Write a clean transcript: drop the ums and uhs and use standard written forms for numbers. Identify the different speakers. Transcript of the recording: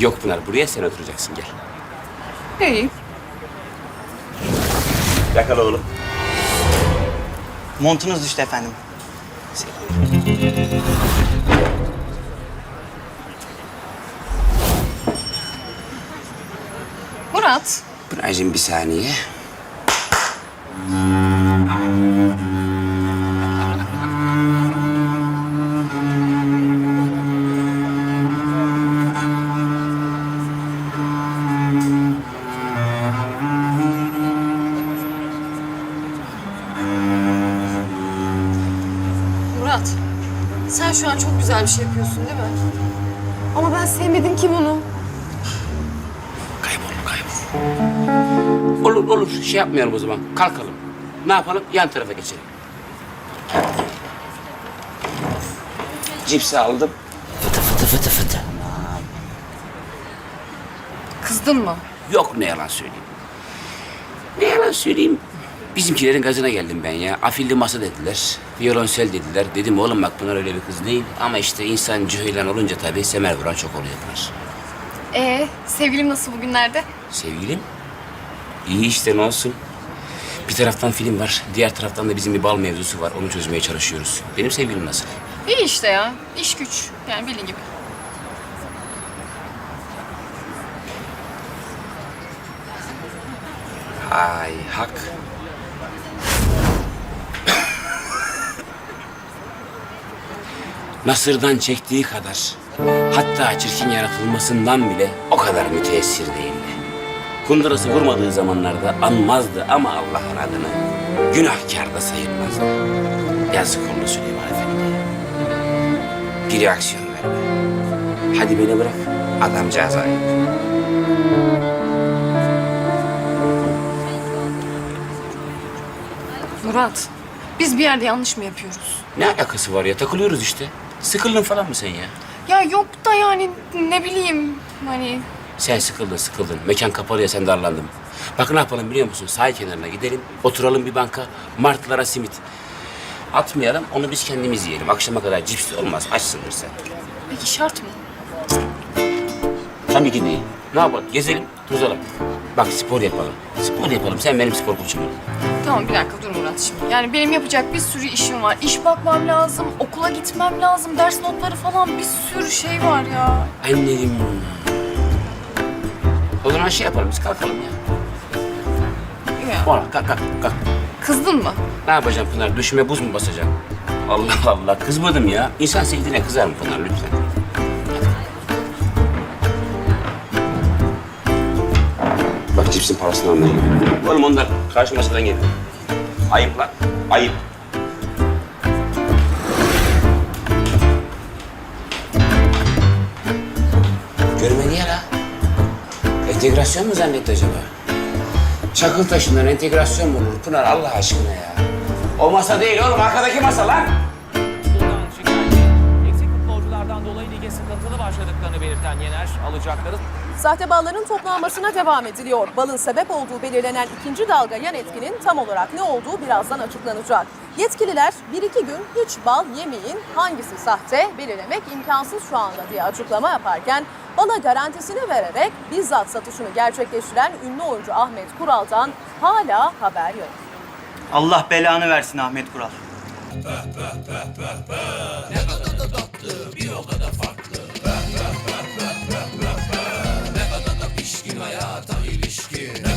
Speaker 1: Yok Pınar, buraya sen oturacaksın, gel.
Speaker 2: İyi.
Speaker 1: Yakala oğlum.
Speaker 3: Montunuz düştü efendim.
Speaker 2: Murat,
Speaker 1: Pınar'cığım bir saniye.
Speaker 2: Murat. Sen şu an çok güzel bir şey yapıyorsun değil mi? Ama ben sevmedim ki bunu.
Speaker 1: Kaybol. Olur olur, şey yapmayalım o zaman. Kalkalım. Ne yapalım? Yan tarafa geçelim. Cipsi aldım. Fıtı fıtı fıtı fıtı.
Speaker 2: Kızdın mı?
Speaker 1: Yok, ne yalan söyleyeyim. Ne yalan söyleyeyim. Bizimkilerin gazına geldim ben ya. Afilli masa dediler. Violonsel dediler. Dedim oğlum bak Pınar öyle bir kız değil. Ama işte insan cüheylan olunca tabii semer vuran çok oluyor Pınar.
Speaker 2: Sevgilim nasıl bugünlerde?
Speaker 1: Sevgilim? İyi işte, ne olsun. Bir taraftan film var. Diğer taraftan da bizim bir bal mevzusu var. Onu çözmeye çalışıyoruz. Benim sevgilim nasıl?
Speaker 2: İyi işte ya. İş güç. Yani bildiğin gibi.
Speaker 1: Ay hak. Nasır'dan çektiği kadar, hatta çirkin yaratılmasından bile o kadar müteessir değildi. Kundurası vurmadığı zamanlarda anmazdı ama Allah'ın adını günahkar da sayılmazdı. Yazık oldu Süleyman Efendi. Bir reaksiyon verme. Hadi beni bırak, adamcağız ayıp.
Speaker 2: Murat, biz bir yerde yanlış mı yapıyoruz?
Speaker 1: Ne alakası var ya, takılıyoruz işte. Sıkıldın falan mı sen ya?
Speaker 2: Ya yok da yani ne bileyim hani...
Speaker 1: Sen sıkıldın. Mekan kapalı ya, sen darlandın. Bak ne yapalım biliyor musun? Sahil kenarına gidelim, oturalım bir banka, martılara simit. Atmayalım, onu biz kendimiz yiyelim. Akşama kadar cips de olmaz, açsındır sen.
Speaker 2: Peki şart mı?
Speaker 1: Tabii ki değil. Ne yapalım? Gezelim, tozalım. Bak spor yapalım. Spor yapalım, sen benim spor koçum ol.
Speaker 2: Tamam bir dakika dur Murat şimdi. Yani benim yapacak bir sürü işim var. İş bakmam lazım, okula gitmem lazım, ders notları falan bir sürü şey var ya.
Speaker 1: Annem. O zaman şey yapalım, biz kalkalım ya.
Speaker 2: Ya.
Speaker 1: Oğlum kalk.
Speaker 2: Kızdın mı?
Speaker 1: Ne yapacağım Pınar? Düşüme buz mu basacağım? Allah Allah, kızmadım ya. İnsan sevdiğine kızar mı Pınar lütfen? Bak cipsin parasını almayayım. Oğlum onlar karşı masadan geliyor. Ayıp lan, ayıp. Görmedi ya la. Entegrasyon mu zannetti acaba? Çakıl taşından entegrasyon mu olur Pınar Allah aşkına ya? O masa değil oğlum, arkadaki masa lan.
Speaker 4: Futboldan şikayetçi. Eksik futbolculardan dolayı lige sıkıntılı başladıklarını belirten Yener, alacakları
Speaker 5: Sahte balların toplanmasına devam ediliyor. Balın sebep olduğu belirlenen ikinci dalga yan etkinin tam olarak ne olduğu birazdan açıklanacak. Yetkililer 1-2 gün hiç bal yemeyin, hangisi sahte belirlemek imkansız şu anda diye açıklama yaparken bala garantisini vererek bizzat satışını gerçekleştiren ünlü oyuncu Ahmet Kural'dan hala haber yok.
Speaker 3: Allah belanı versin Ahmet Kural.
Speaker 6: Hayata ilişkin